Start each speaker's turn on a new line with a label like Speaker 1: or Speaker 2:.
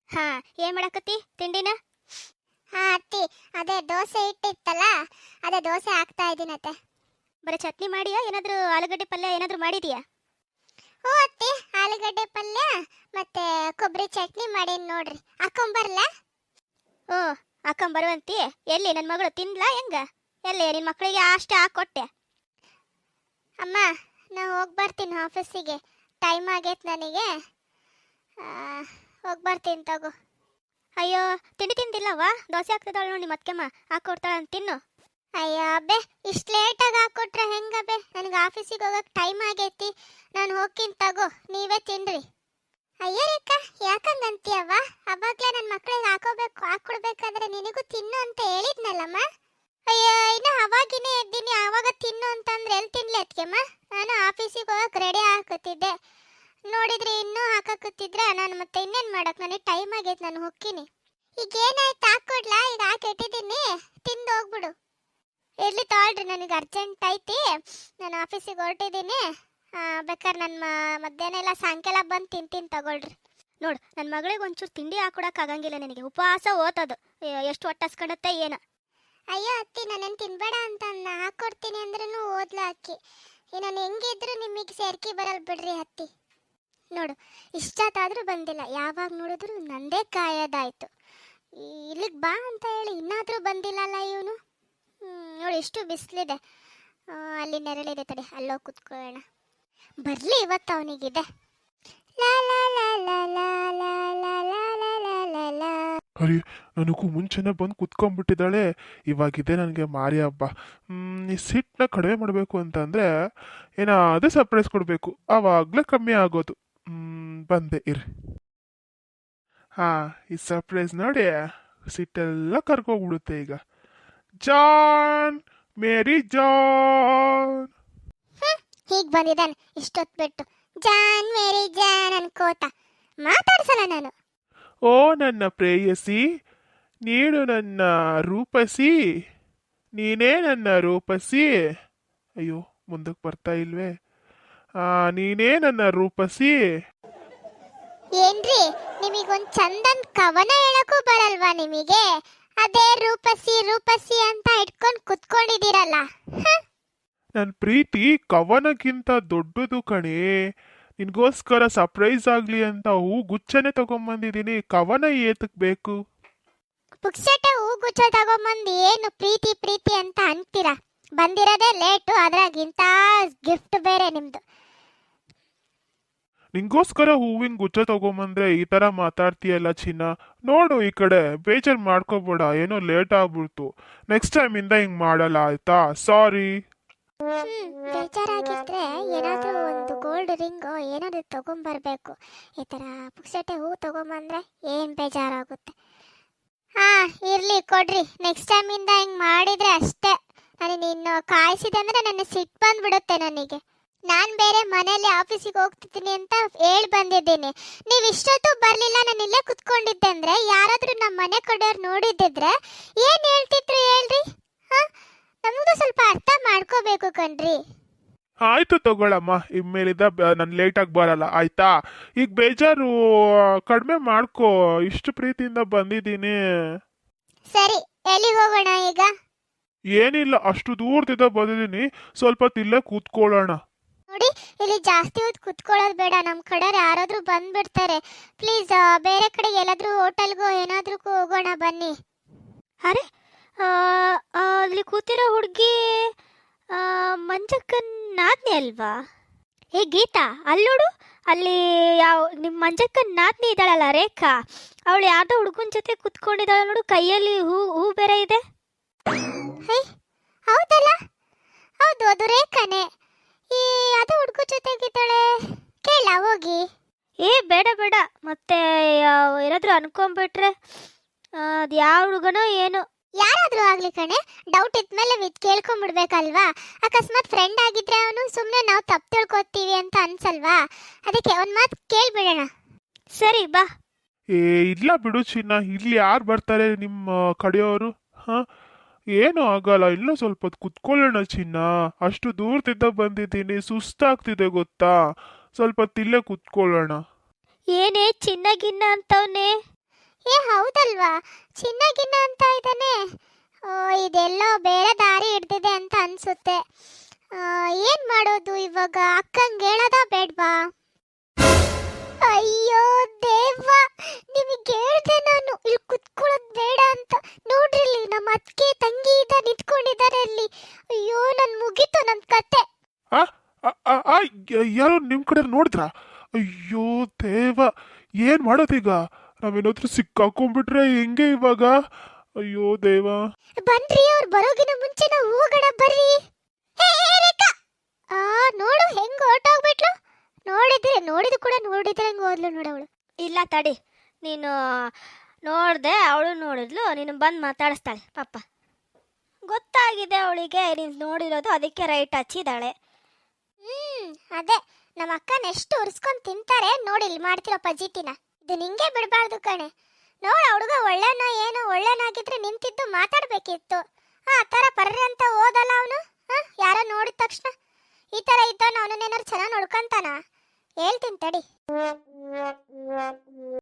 Speaker 1: ಹಾ, ಏನ್ ಮಾಡಕತ್ತಿ ತಿಂಡಿನ?
Speaker 2: ಹಾ ಅತ್ತಿ, ಅದೇ ದೋಸೆ ಇಟ್ಟಿತ್ತಲ್ಲ, ಅದೇ ದೋಸೆ ಹಾಕ್ತಾ ಇದ್ದೀನತ್ತೆ.
Speaker 1: ಬರೀ ಚಟ್ನಿ ಮಾಡಿಯಾ ಏನಾದ್ರೂ ಆಲೂಗಡ್ಡೆ ಪಲ್ಯ ಏನಾದ್ರೂ ಮಾಡಿದೀಯಾ?
Speaker 2: ಹ್ಞೂ ಅತ್ತಿ, ಆಲೂಗಡ್ಡೆ ಪಲ್ಯ ಮತ್ತೆ ಕೊಬ್ಬರಿ ಚಟ್ನಿ ಮಾಡೀನಿ ನೋಡ್ರಿ, ಹಾಕೊಂಬರ್ಲ?
Speaker 1: ಓ, ಹಾಕೊಂಬರುವಂತಿ. ಎಲ್ಲಿ ನನ್ನ ಮಗಳು ತಿನ್ಲಾ ಹೆಂಗ? ಎಲ್ಲಿ ನಿನ್ನ ಮಕ್ಕಳಿಗೆ ಅಷ್ಟೇ ಹಾಕೊಟ್ಟೆ?
Speaker 2: ಅಮ್ಮ, ನಾ ಹೋಗಿ ಬರ್ತೀನಿ ಆಫೀಸಿಗೆ, ಟೈಮ್ ಆಗೈತೆ ನನಗೆ. ಹೋಗಿ ಬರ್ತೀನಿ ತಗೋ.
Speaker 1: ಅಯ್ಯೋ, ತಿಂಡಿ ತಿಂದಿಲ್ಲವಾ? ದೋಸೆ ಹಾಕ್ತಿದ್ದಾಳು ನೋಡಿ ನಿಮ್ಮ ಅತ್ತೆಮ್ಮ, ಹಾಕೊಡ್ತಾಳ ಅಂತ ತಿನ್ನು.
Speaker 2: ಅಯ್ಯೋ ಅಬ್ಬೆ, ಇಷ್ಟು ಲೇಟಾಗಿ ಹಾಕ್ಕೊಟ್ರೆ ಹೆಂಗಬ್ಬೆ? ನನಗೆ ಆಫೀಸಿಗೆ ಹೋಗಕ್ಕೆ ಟೈಮ್ ಆಗೈತಿ, ನಾನು ಹೋಗ್ತೀನಿ ತಗೋ, ನೀವೇ ತಿನ್ರಿ. ಅಯ್ಯೋ ರೇಖಾ, ಯಾಕಂಗಂತೀಯವ್ವ? ಅವಾಗಲೇ ನನ್ನ ಮಕ್ಕಳಿಗೆ ಹಾಕೊಡ್ಬೇಕಾದ್ರೆ ನಿನಗೂ ತಿನ್ನು ಅಂತ ಹೇಳಿದ್ನಲ್ಲಮ್ಮ. ಅಯ್ಯೋ, ಇನ್ನು ಅವಾಗಿನೇ ಎದ್ದೀನಿ, ಆವಾಗ ತಿನ್ನು ಅಂತಂದ್ರೆ ಎಲ್ಲಿ ತಿನ್ಲಿ ಅತ್ಕೆಮ್ಮ? ನಾನು ಆಫೀಸಿಗೆ ಹೋಗಕ್ಕೆ ರೆಡಿ ಹಾಕತ್ತಿದ್ದೆ, ನೋಡಿದ್ರೆ ಇನ್ನೂ ಹಾಕಕತ್ತಿದ್ರೆ ನಾನು ಮತ್ತೆ ಇನ್ನೇನು ಮಾಡಕ್ಕೆ? ನನಗೆ ಟೈಮ್ ಆಗೈತೆ, ನಾನು ಹೋಗ್ತೀನಿ. ಈಗ ಏನಾಯ್ತು, ಹಾಕ್ಕೊಡ್ಲಾ? ಈಗ ಹಾಕಿಟ್ಟಿದ್ದೀನಿ, ತಿಂದು ಹೋಗ್ಬಿಡು. ಇರ್ಲಿ ತಾಳ್ರಿ, ನನಗೆ ಅರ್ಜೆಂಟ್ ಐತಿ, ನಾನು ಆಫೀಸಿಗೆ ಹೊರಟಿದ್ದೀನಿ. ಬೇಕಾದ್ರೆ ನನ್ನ ಮಧ್ಯಾಹ್ನ ಎಲ್ಲ ಸಾಯಂಕಾಲ ಬಂದು ತಿಂತೀನಿ ತಗೊಳ್ರಿ.
Speaker 1: ನೋಡು, ನನ್ನ ಮಗಳಿಗೆ ಒಂಚೂರು ತಿಂಡಿ ಹಾಕೊಡಕ್ಕೆ ಆಗಂಗಿಲ್ಲ ನಿನಗೆ, ಉಪವಾಸ ಓತದು. ಎಷ್ಟು ಹೊಟ್ಟೆ ಹಸ್ಕೊಂಡತ್ತೆ ಏನು?
Speaker 2: ಅಯ್ಯೋ ಅತ್ತಿ, ನಾನೇನು ತಿನ್ಬೇಡ ಅಂತ ಹಾಕ್ಕೊಡ್ತೀನಿ ಅಂದ್ರೂ ಓದ್ಲ ಅಕ್ಕಿ. ನಾನು ಹೆಂಗಿದ್ರು ನಿಮಗೆ ಸೇರ್ಕಿ ಬರಲ್ ಬಿಡ್ರಿ ಅತ್ತಿ. ನೋಡು, ಇಷ್ಟೊತ್ತಾದರೂ ಬಂದಿಲ್ಲ, ಯಾವಾಗ ನೋಡಿದ್ರು ನಂದೇ ಕಾಯೋದಾಯ್ತು. ಇಲ್ಲಿಗೆ ಬಾ ಅಂತ ಹೇಳಿ ಇನ್ನಾದರೂ ಬಂದಿಲ್ಲಲ್ಲ ಇವನು. ನೋಡಿ, ಎಷ್ಟು ಬಿಸಿಲಿದೆ, ಅಲ್ಲಿ ನೆರಳಿದೆ, ತಡಿ ಅಲ್ಲೋಗಿ ಕುತ್ಕೊಳ್ಳೋಣ. ಬರಲಿ ಇವತ್ತು ಅವನಿಗಿದೆ. ಲಾ ಲಾ ಲಾ ಲಾ ಲಾ ಲಾ ಲಾ ಲಾ ಲಾ ಲಾ ಲಾ.
Speaker 3: ಅರೆ, ನನಗೂ ಮುಂಚೆನೇ ಬಂದು ಕುತ್ಕೊಂಡ್ಬಿಟ್ಟಿದ್ದಾಳೆ. ಇವಾಗಿದೆ ನನಗೆ ಮಾರಿ ಹಬ್ಬ. ಈ ಸಿಟ್ಟನ್ನ ಕಡಿಮೆ ಮಾಡಬೇಕು ಅಂತಂದರೆ ಅದೇ ಸರ್ಪ್ರೈಸ್ ಕೊಡಬೇಕು, ಆವಾಗಲೇ ಕಮ್ಮಿ ಆಗೋದು. ಬಂದೆ ಇರಿ. ಹಾಂ, ಈ ಸರ್ಪ್ರೈಸ್ ನೋಡಿ ಸಿಟ್ಟೆಲ್ಲ ಕರ್ಕೋಗ್ಬಿಡುತ್ತೆ ಈಗ. ಜಾನ್, ಮೇರಿ ಜಾನ್.
Speaker 2: ಹೀಗೆ ಬಂದಿದ್ದಾನೆ ಇಷ್ಟೊತ್ತು ಬಿಟ್ಟು, ಜಾನ್ ಮೇರಿ ಜಾನ್ ಅನ್ಕೋತ. ಮಾತಾಡ್ಸಲ್ಲ ನಾನು.
Speaker 3: ಓ ನನ್ನ ಪ್ರೇಯಸಿ, ನೀನು ನನ್ನ ರೂಪಸಿ, ನೀನೇ ನನ್ನ ರೂಪಸಿ. ಅಯ್ಯೋ, ಮುಂದಕ್ಕೆ ಬರ್ತಾ ಇಲ್ವೇ? ನೀನೇ ನನ್ನ ರೂಪಸಿ.
Speaker 2: ಏನ್ರಿ, ನಿಮಗೊಂದು ಚಂದನ್ ಕವನ ಹೇಳಕ್ಕೂ ಬರಲ್ವಾ ನಿಮಗೆ? ಅದೇ ರೂಪಸಿ ರೂಪಸಿ ಅಂತ ಇಟ್ಕೊಂಡು ಕುತ್ಕೊಂಡಿದ್ದೀರಲ್ಲ.
Speaker 3: ನನ್ನ ಪ್ರೀತಿ ಕವನಕ್ಕಿಂತ ದೊಡ್ಡದು ಕಣೆ. ನಿನ್ಗೋಸ್ಕರ ಸರ್ಪ್ರೈಸ್ ಆಗಲಿ ಅಂತ ಹೂ ಗುಚ್ಚನೆ ತಗೊಂಬಂದಿದ್ದೀನಿ. ಕವನ ಏತಕ್ ಬೇಕು?
Speaker 2: ಪುಕ್ಸಟೆ ಹೂ ಗುಚ್ಚ ತಗೊಂಬಂದು ಏನು ಪ್ರೀತಿ ಪ್ರೀತಿ ಅಂತ ಅಂತೀರಾ? ಬಂದಿರೋದೇ ಲೇಟು, ಅದ್ರಾಗಿಂತ ಗಿಫ್ಟ್ ಬೇರೆ ನಿಮ್ದು.
Speaker 3: ನಿಂಗೋಸ್ಕರ ಹೂವಿನ ಗುಚ್ಚ ತಗೊಂಬಂದ್ರೆ ಈ ಥರ ಮಾತಾಡ್ತೀಯಲ್ಲ ಚಿನ್ನ. ನೋಡು ಈ ಕಡೆ, ಬೇಜಾರು ಮಾಡ್ಕೋಬೇಡ, ಏನೋ ಲೇಟ್ ಆಗ್ಬಿಡ್ತು. ನೆಕ್ಸ್ಟ್ ಟೈಮಿಂದ ಹಿಂಗೆ ಮಾಡಲ್ಲ ಆಯ್ತಾ? ಸಾರಿ.
Speaker 2: ಬೇಜಾರಾಗಿದ್ರೆ ಏನಾದರೂ ಒಂದು ಗೋಲ್ಡ್ ರಿಂಗು ಏನಾದರೂ ತಗೊಂಬರ್ಬೇಕು. ಈ ಥರ ಪುಕ್ಸಟೆ ಹೂ ತಗೊಂಬಂದ್ರೆ ಏನು ಬೇಜಾರಾಗುತ್ತೆ. ಇರಲಿ ಕೊಡ್ರಿ, ನೆಕ್ಸ್ಟ್ ಟೈಮಿಂದ ಹಿಂಗೆ ಮಾಡಿದರೆ ಅಷ್ಟೇ. ನನಗೆ ನೀನು ಕಾಯಿಸಿದಂದ್ರೆ ನನ್ನ ಸಿಟ್ಟು ಬಂದ್ಬಿಡುತ್ತೆ ನನಗೆ. ನಾನು ಬೇರೆ ಮನೇಲಿ ಆಫೀಸಿಗೆ ಹೋಗ್ತಿದ್ದೀನಿ ಅಂತ ಹೇಳಿ ಬಂದಿದ್ದೀನಿ. ನೀವು ಇಷ್ಟೊತ್ತು ಬರಲಿಲ್ಲ, ನಾನು ಇಲ್ಲೇ ಕುತ್ಕೊಂಡಿದ್ದೆ ಅಂದರೆ ಯಾರಾದರೂ ನಮ್ಮ ಮನೆ ಕಡೆಯವ್ರು ನೋಡಿದ್ದಿದ್ರೆ ಏನು ಹೇಳ್ತಿದ್ರು ಹೇಳ್ರಿ? ನಮಗೂ ಸ್ವಲ್ಪ ಅರ್ಥ ಮಾಡ್ಕೋಬೇಕು ಕಣ್ರಿ.
Speaker 3: ಆಯ್ತು ತಗೊಳಮ್ಮ, ಇನ್ಮೇಲಿಂದ ನಾನು ಲೇಟಾಗಿ ಬರಲ್ಲ ಆಯ್ತಾ? ಈಗ ಬೇಜಾರು ಕಡಿಮೆ ಮಾಡ್ಕೋ, ಇಷ್ಟು ಪ್ರೀತಿಯಿಂದ ಬಂದಿದ್ದೀನಿ.
Speaker 2: ಸರಿ, ಎಲ್ಲಿಗೆ ಹೋಗೋಣ ಈಗ?
Speaker 3: ಏನಿಲ್ಲ, ಅಷ್ಟು ದೂರದಿಂದ ಬಂದಿದ್ದೀನಿ, ಸ್ವಲ್ಪ ತಿಲ್ಲೇ ಕೂತ್ಕೊಳ್ಳೋಣ.
Speaker 2: ನೋಡಿ, ಇಲ್ಲಿ ಜಾಸ್ತಿ ಹೊತ್ತು ಕುತ್ಕೊಳ್ಳೋದು ಬೇಡ, ನಮ್ಮ ಕಡೆ ಯಾರಾದರೂ ಬಂದ್ಬಿಡ್ತಾರೆ. ಪ್ಲೀಸ್ ಬೇರೆ ಕಡೆ ಎಲ್ಲಾದರೂ ಹೋಟೆಲ್ಗೋ ಏನಾದ್ರೂ ಹೋಗೋಣ ಬನ್ನಿ.
Speaker 1: ಅರೆ, ಅಲ್ಲಿ ಕೂತಿರೋ ಹುಡುಗಿ ಮಂಜಕ್ಕನ ನಾದ್ನಿ ಅಲ್ವಾ? ಹೇ ಗೀತಾ, ಅಲ್ಲೋಡು, ಅಲ್ಲಿ ನಿಮ್ಮ ಮಂಜಕ್ಕನ ನಾದ್ನಿ ಇದ್ದಾಳಲ್ಲ ರೇಖಾ, ಅವಳು ಯಾರ್ದೋ ಹುಡುಗನ ಜೊತೆ ಕುತ್ಕೊಂಡಿದ್ದಾಳೆ ನೋಡು, ಕೈಯಲ್ಲಿ ಹೂ ಬೇರೆ ಇದೆ.
Speaker 2: ಹೇ, ಹೌದಲ್ಲ, ಹೌದು, ಅದು ರೇಖಾನೆ. ಅದು ಹುಡುಗ ಜೊತೆಗಿದ್ದಾಳೆ, ಕೇಳ ಹೋಗಿ.
Speaker 1: ಬೇಡ ಬೇಡ, ಮತ್ತೆ ಏನಾದರೂ ಅನ್ಕೊಂಡ್ಬಿಟ್ರೆ ಅದು ಯಾವ ಹುಡುಗನೋ ಏನೋ.
Speaker 2: ಯಾರಾದ್ರೂ ಆಗ್ಲಿ ಕಣೆ, ಡೌಟ್ ಇದ್ಮೇಲೆ ಕೇಳ್ಕೊಂಡ್ಬಿಡ್ಬೇಕಲ್ವಾ? ಅಕಸ್ಮಾತ್ ಫ್ರೆಂಡ್ ಆಗಿದ್ರೆ ಅವನು ಸುಮ್ಮನೆ ನಾವು ತಪ್ಪು ತಿಳ್ಕೊತೀವಿ ಅಂತ ಅನ್ಸಲ್ವಾ? ಅದಕ್ಕೆ ಒಂದು ಮಾತು ಕೇಳ್ಬಿಡೋಣ.
Speaker 1: ಸರಿ ಬಾ.
Speaker 3: ಇಲ್ಲ ಬಿಡು ಚಿನ್ನ, ಇಲ್ಲಿ ಯಾರು ಬರ್ತಾರೆ ನಿಮ್ಮ ಕಡೆಯವರು? ಏನೂ ಆಗಲ್ಲ, ಇನ್ನೂ ಸ್ವಲ್ಪ ಹೊತ್ತು ಕುತ್ಕೊಳ್ಳೋಣ ಚಿನ್ನ. ಅಷ್ಟು ದೂರದಿಂದ ಬಂದಿದ್ದೀನಿ, ಸುಸ್ತಾಗ್ತಿದೆ ಗೊತ್ತಾ? ಸ್ವಲ್ಪ ತಿಲ್ಲೇ ಕುತ್ಕೊಳ್ಳೋಣ.
Speaker 1: ಏನೇ ಚಿನ್ನ ಗಿನ್ನ ಅಂತವನೇ?
Speaker 2: ಏ ಹೌದಲ್ವಾ, ಚಿನ್ನಗಿನ್ನ ಅಂತ ಇದ್ದಾನೆ. ಇದೆಲ್ಲೋ ಬೇರೆ ದಾರಿ ಹಿಡ್ದಿದೆ ಅಂತ ಅನ್ಸುತ್ತೆ. ಏನ್ ಮಾಡೋದು ಇವಾಗ? ಅಕ್ಕಂಗೆ ಹೇಳೋದ ಬೇಡ್ವಾ? ಅಯ್ಯೋ ದೇವ, ನಿಮಗೆ ಹೇಳ್ದೆ ನಾನು ಇಲ್ಲಿ ಕುತ್ಕೊಳ್ಳೋದು ಬೇಡ ಅಂತ. ನೋಡ್ರಿ ಇಲ್ಲಿ ನಮ್ಮ ಅತ್ತಿಗೆ ತಂಗಿ ನಿಂತ್ಕೊಂಡಿದ್ದಾರೆ ಅಲ್ಲಿ. ಅಯ್ಯೋ ನನ್ ಮುಗೀತು ನನ್ ಕತೆ.
Speaker 3: ಆ ಆ, ಆ, ಆ, ಯಾರೋ ನಿಮ್ ಕಡೆ ನೋಡಿದ್ರಾ? ಅಯ್ಯೋ ದೇವ, ಏನ್ ಮಾಡೋದೀಗ? ನಾವೇನಾದ್ರೂ ಸಿಕ್ಕಾಕೊಂಡ್ಬಿಟ್ರೆ ಹೆಂಗೆ ಇವಾಗ? ಅಯ್ಯೋ ದೇವ.
Speaker 2: ಬನ್ರಿ, ಅವ್ರು ಬರೋಗಿನ ಮುಂಚೆ ನಾವು ಹೋಗೋಣ ಬರ್ರಿ. ಹೇ ರೇಖಾ, ನೋಡು ಹೆಂಗ್ ಹೊರಟೋಗ್ಬಿಟ್ಲು. ನೋಡಿದ್ರು ಕೂಡ ನೋಡಿದ್ರೆ ಹೆಂಗ್ ಹೋದ್ಲು ನೋಡವಳು.
Speaker 1: ಇಲ್ಲ ತಡಿ, ನೀನು ನೋಡ್ದೆ, ಅವಳು ನೋಡಿದ್ಲು, ನೀನು ಬಂದು ಮಾತಾಡಿಸ್ತಾಳೆ ಪಾಪ. ಗೊತ್ತಾಗಿದೆ ಅವಳಿಗೆ ನೀನು ನೋಡಿರೋದು, ಅದಕ್ಕೆ ರೈಟ್ ಹಚ್ಚಿದ್ದಾಳೆ.
Speaker 2: ಅದೇ ನಮ್ಮ ಅಕ್ಕನ ಎಷ್ಟು ಉರ್ಸ್ಕೊಂಡ್ ತಿಂತಾರೆ ನೋಡಿ ಇಲ್ಲಿ ಮಾಡ್ತಿರೋ ಪಜಿತಿನ. ಇದು ನಿಂಗೆ ಬಿಡಬಾರ್ದು ಕಣೆ. ನೋಡ ಹುಡುಗ ಒಳ್ಳೆನೋ ಏನೋ, ಒಳ್ಳೆನಾಗಿದ್ರೆ ನಿಂತಿದ್ದು ಮಾತಾಡ್ಬೇಕಿತ್ತು. ಆ ತರ ಪರ್ರೆ ಅಂತ ಹೋದಲ್ಲ ಅವನು. ಯಾರೋ ನೋಡಿದ ತಕ್ಷಣ ಈ ತರ ಇದ್ದವನು ಅವನನ್ನೇನಾದ್ರು ಚೆನ್ನಾಗಿ ನೋಡ್ಕೊಂತಾನ? ಹೇಳ್ತೀನಿ ತಡಿ.